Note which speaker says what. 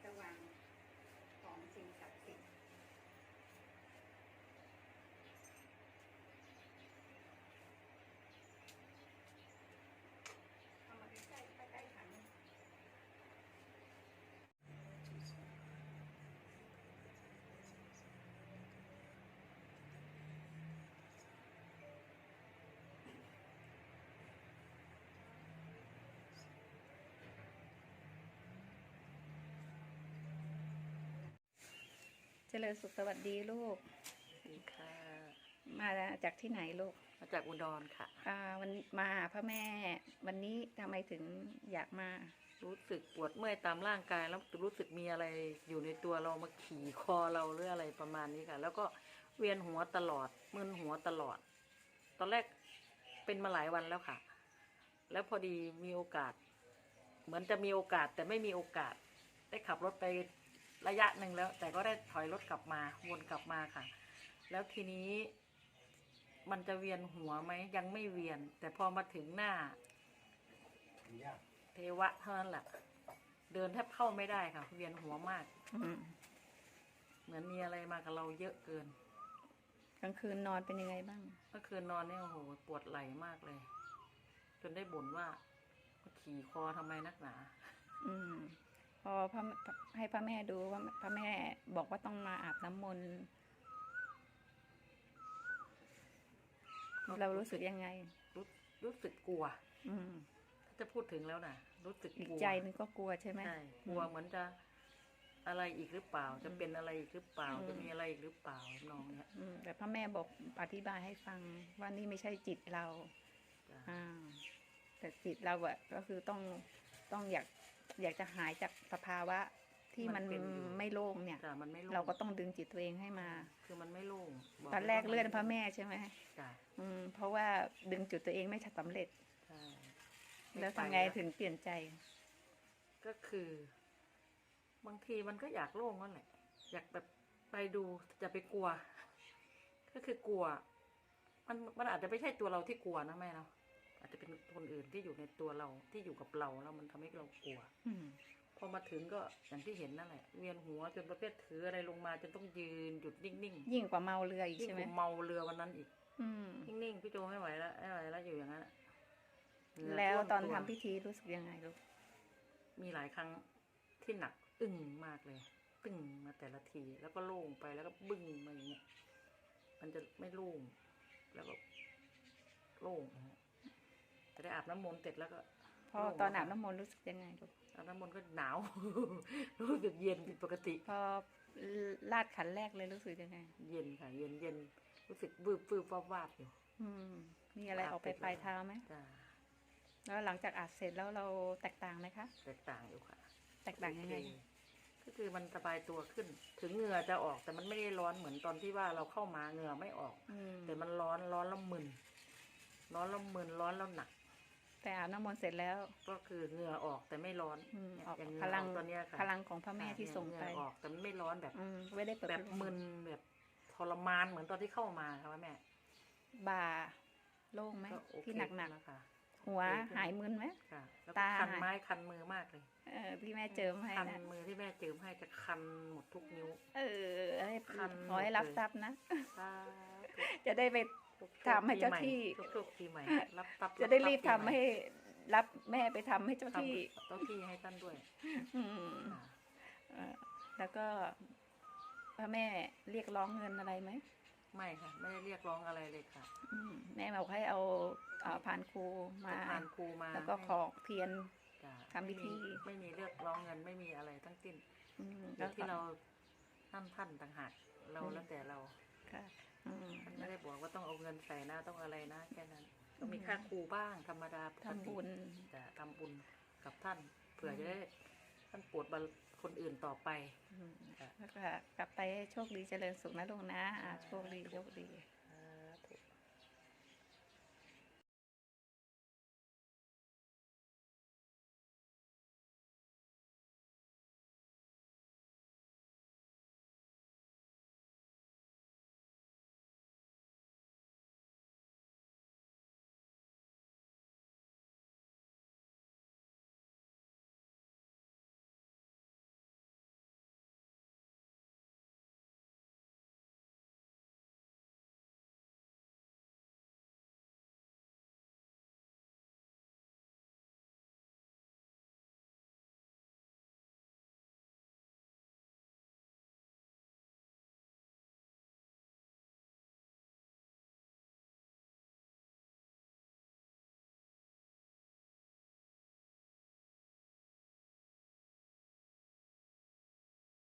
Speaker 1: ระวังของสิ่งศักดิ์สิทธิ์เอามาใกล้ๆใกล้ๆขันเจริญสุขสวัสดีลูก
Speaker 2: ดีค่ะ
Speaker 1: มาจากที่ไหนลูก
Speaker 2: มาจากอุดรค่ะ
Speaker 1: วันมาหาพระแม่วันนี้ทำไมถึงอยากมา
Speaker 2: รู้สึกปวดเมื่อยตามร่างกายแล้วรู้สึกมีอะไรอยู่ในตัวเรามาขี่คอเราหรืออะไรประมาณนี้ค่ะ แล้วก็เวียนหัวตลอดมึนหัวตลอด ตอนแรกเป็นมาหลายวันแล้วค่ะ แล้วพอดีมีโอกาส เหมือนจะมีโอกาสแต่ไม่มีโอกาส ได้ขับรถไประยะหนึ่งแล้ว แต่ก็ได้ถอยรถกลับมาวนกลับมาค่ะ แล้วทีนี้มันจะเวียนหัวไหมยังไม่เวียน แต่พอมาถึงหน้าเทวะเท่านั้นแหละเดินแทบเข้าไม่ได้ค่ะ เวียนหัวมาก เหมือนมีอะไรมากับเราเยอะเกิน
Speaker 1: กลางคืนนอนเป็นยังไงบ้าง
Speaker 2: เมื่อคืนนอนเนี่ยโอ้โหปวดไหล่มากเลย จนได้บ่นว่าขี่คอทำไมนักหนา
Speaker 1: พอให้พระแม่ดูว่าพระแม่บอกว่าต้องมาอาบน้ำมนต์เรารู้สึกยังไง
Speaker 2: รู้สึกกลัว
Speaker 1: อืม
Speaker 2: ถ้าจะพูดถึงแล้วนะรู้สึก
Speaker 1: อีก
Speaker 2: กลัว
Speaker 1: ใจนึงก็กลัวใช่ไหม
Speaker 2: ใช่กลัวเหมือนจะอะไรอีกหรือเปล่า จะเป็นอะไรอีกหรือเปล่า
Speaker 1: อืม
Speaker 2: จะมีอะไรอีกหรือเปล่าน้องเนี่ย
Speaker 1: แต่พระแม่บอกอธิบายให้ฟังว่านี่ไม่ใช่จิตเรา
Speaker 2: จ้ะ
Speaker 1: แต่จิตเราอะก็คือต้องอยากจะหายจากสภาวะที่มันไม่โล่งเนี่ย
Speaker 2: จ้ะมันไม่โล่ง
Speaker 1: เราก็ต้องดึงจิตตัวเองให้มา
Speaker 2: คือมันไม่โล่งบ
Speaker 1: ตอนแรก
Speaker 2: ลยว่า
Speaker 1: เลื่อนพระแม่ใช่ไหม
Speaker 2: จ้ะ
Speaker 1: เพราะว่าดึงจุดตัวเองไม่สำเร็จ
Speaker 2: ใช่
Speaker 1: แล้วทำไงถึงเปลี่ยนใจ
Speaker 2: ก็คือ บางทีมันก็อยากโล่งนั่นแหละ อยากแบบไปดูจะไปกลัว ก็คือกลัว มันอาจจะไม่ใช่ตัวเราที่กลัวนะแม่เนาะอาจจะเป็นคนอื่นที่อยู่ในตัวเราที่อยู่กับเราแล้วมันทำให้เรากลัว พอมาถึงก็อย่างที่เห็นนั่นแหละ เวียนหัวจนประเภทถืออะไรลงมาจนต้องยืนหยุดนิ่งๆ
Speaker 1: ยิ่งกว่าเมาเรืออีก
Speaker 2: ยิ่ง
Speaker 1: ใช่ไหม
Speaker 2: กว่าเมาเรือวันนั้นอีก
Speaker 1: อืม
Speaker 2: นิ่งๆพี่โจไม่ไหวแล้วไม่ไหวแล้วอยู่อย่างนั้นเหงื่
Speaker 1: แล้ว
Speaker 2: ท่ม
Speaker 1: ตอน
Speaker 2: ว
Speaker 1: ทำพิธีรู้สึกยังไงลูก
Speaker 2: มีหลายครั้งที่หนักอึ้งมากเลยตึ้งมาแต่ละทีแล้วก็โล่งไปแล้วก็บึ้งมาอย่างเงี้ยมันจะไม่โล่งแล้วก็โล่งนะฮะจะได้อาบน้ำมนต์เสร็จแล้วก็
Speaker 1: พอตอนอาบน้ำมนต์รู้สึกยังไงลูก
Speaker 2: อาบน้ำมนต์ก็หนาว รู้สึกเย็นผิดปกติ
Speaker 1: พอลาดขันแรกเลยรู้สึกยังไง
Speaker 2: เย็นค่ะ เย็นเย็นรู้สึกวืบวืบวาบวาบอยู่
Speaker 1: มีอะไรออกไปปลายเท้าไหม
Speaker 2: จ้า
Speaker 1: แล้วหลังจากอาบเสร็จแล้วเราแตกต่างไหมคะ
Speaker 2: แตกต่างอยู่ค่ะ
Speaker 1: แตกต่างยังไง
Speaker 2: ก็คือมันสบายตัวขึ้น ถึงเหงื่อจะออกแต่มันไม่ได้ร้อนเหมือนตอนที่ว่าเราเข้ามาเหงื่อไม่ออก แต่มันร้อนแล้วมึนร้อนแล้วมึนร้อนแล้วหนัก
Speaker 1: แต่อาบน้ำมนต์เสร็จแล้ว
Speaker 2: ก็คือเหงื่อออกแต่ไม่ร้อน
Speaker 1: ออก
Speaker 2: อย่างเหงื่
Speaker 1: พ
Speaker 2: อ
Speaker 1: ลัง
Speaker 2: ออกตอนเนี้ยค่ะ
Speaker 1: พลังของพระแม่ที่ส่งไป
Speaker 2: เหงื่อออกแต่มันไม่ร้อนแบบ
Speaker 1: ไม่ได้เปิด
Speaker 2: แบบมึนแบบทรมานเหมือนตอนที่เข้ามาค่ะแม่
Speaker 1: บ่าโล่งไหม
Speaker 2: ก็โอเค
Speaker 1: ที่หนัก
Speaker 2: แล้วค่ะ
Speaker 1: ๆหัวหายมึนไหม
Speaker 2: ค่ะ แล้ว
Speaker 1: ตา
Speaker 2: ก็คันไม้คันมือมากเลย
Speaker 1: ที่แม่เจิมให้
Speaker 2: คัน
Speaker 1: นะ
Speaker 2: มือที่แม่เจิมให้จะคันหมดทุกนิ้ว
Speaker 1: ให้
Speaker 2: คัน
Speaker 1: ขอให้รับทรัพย์นะ
Speaker 2: สาธุ
Speaker 1: จะได้ไป ทำให้เจ้าที่
Speaker 2: ทุกปีใหม่รับทรัพย์
Speaker 1: จะได้รีบ
Speaker 2: ปี
Speaker 1: ทำ
Speaker 2: ใหม่
Speaker 1: ให้รับแม่ไปทำให้เจ้าที่
Speaker 2: เจ้าที่ให้ท่านด้วย
Speaker 1: อืม
Speaker 2: ค่ะ
Speaker 1: แล้วก็พระแม่เรียกร้องเงินอะไรไหม
Speaker 2: ไม่ค่ะ ไม่ได้เรียกร้องอะไรเลยค่ะ
Speaker 1: แม่บอกให้เอาพานครูมา
Speaker 2: จะผ่านครูมา
Speaker 1: แล้วก็ขอเทียน
Speaker 2: จ้ะ
Speaker 1: ทำพิธี
Speaker 2: ไม่มีเรียกร้องเงินไม่มีอะไรทั้งสิ้น
Speaker 1: แล้
Speaker 2: แล้ว วที่เราท่านต่างหากเราแล้วแต่เรา
Speaker 1: ค่ะ
Speaker 2: ท่านไม่ได้บอกว่าต้องเอาเงินใส่นะต้องอะไรนะแค่นั้น ก็มีค่าครูบ้างธรรมดาปกติ
Speaker 1: ทำบุญ
Speaker 2: จะทำบุญกับท่านเผื่อจะได้ท่านโปรดบรรคนอื่นต่อไป
Speaker 1: แล้วก็กลับไปโชคดีเจริญสุขนะลุงนะโชคดี